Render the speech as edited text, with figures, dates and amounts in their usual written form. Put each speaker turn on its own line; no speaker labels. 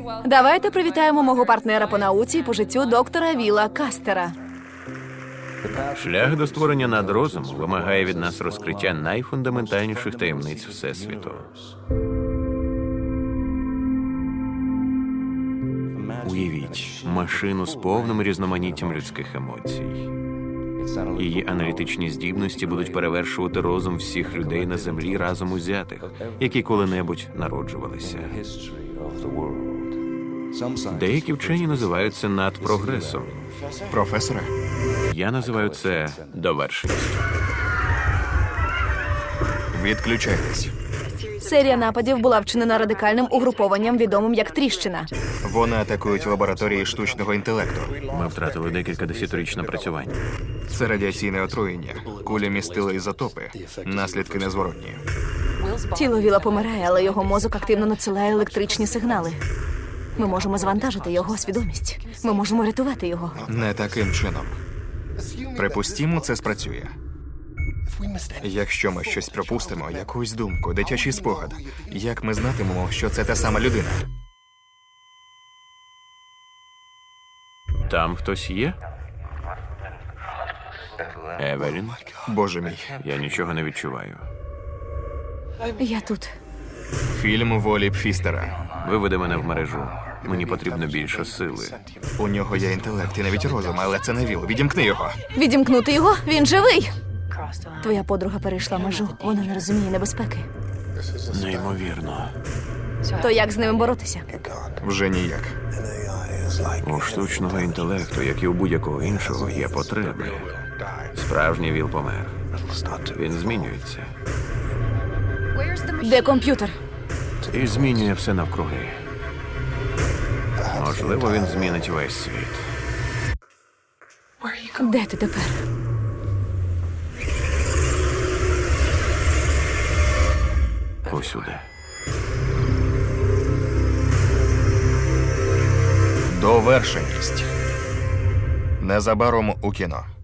Давайте привітаємо мого партнера по науці і по життю доктора Віла Кастера.
Шлях до створення надрозуму вимагає від нас розкриття найфундаментальніших таємниць Всесвіту. Уявіть машину з повним різноманіттям людських емоцій. Її аналітичні здібності будуть перевершувати розум всіх людей на землі разом узятих, які коли-небудь народжувалися. Деякі вчені називають це надпрогресом.
Професоре,
Я називаю це довершеністю.
відключайтесь.
Серія нападів була вчинена радикальним угрупованням, відомим як Тріщина.
Вони атакують лабораторії штучного інтелекту.
Ми втратили декілька десятиріч напрацювань.
Це радіаційне отруєння. Кулі містили ізотопи. Наслідки незворотні.
Тіло Віла помирає, але його мозок активно надсилає електричні сигнали. Ми можемо завантажити його свідомість. Ми можемо рятувати його.
Не таким чином. Припустімо, це спрацює. Якщо ми щось пропустимо, якусь думку, дитячий спогад, як ми знатимемо, що це та сама людина?
Там хтось є? Евелін?
Боже мій.
Я нічого не відчуваю.
Я тут.
Фільм Волі Пфістера.
Виведи мене в мережу. Мені потрібно більше сили.
У нього є інтелект і навіть розум, але це не Віл. Відімкни його.
Відімкнути його? Він живий! Твоя подруга перейшла межу. Вона не розуміє небезпеки.
Неймовірно.
То як з ними боротися?
Вже ніяк.
У штучного інтелекту, як і у будь-якого іншого, є потреби. Справжній Віл помер. Він змінюється.
Де комп'ютер?
І змінює все навкруги. Можливо, він змінить весь світ.
Де ти тепер?
Усюди.
Довершеність. Незабаром у кіно.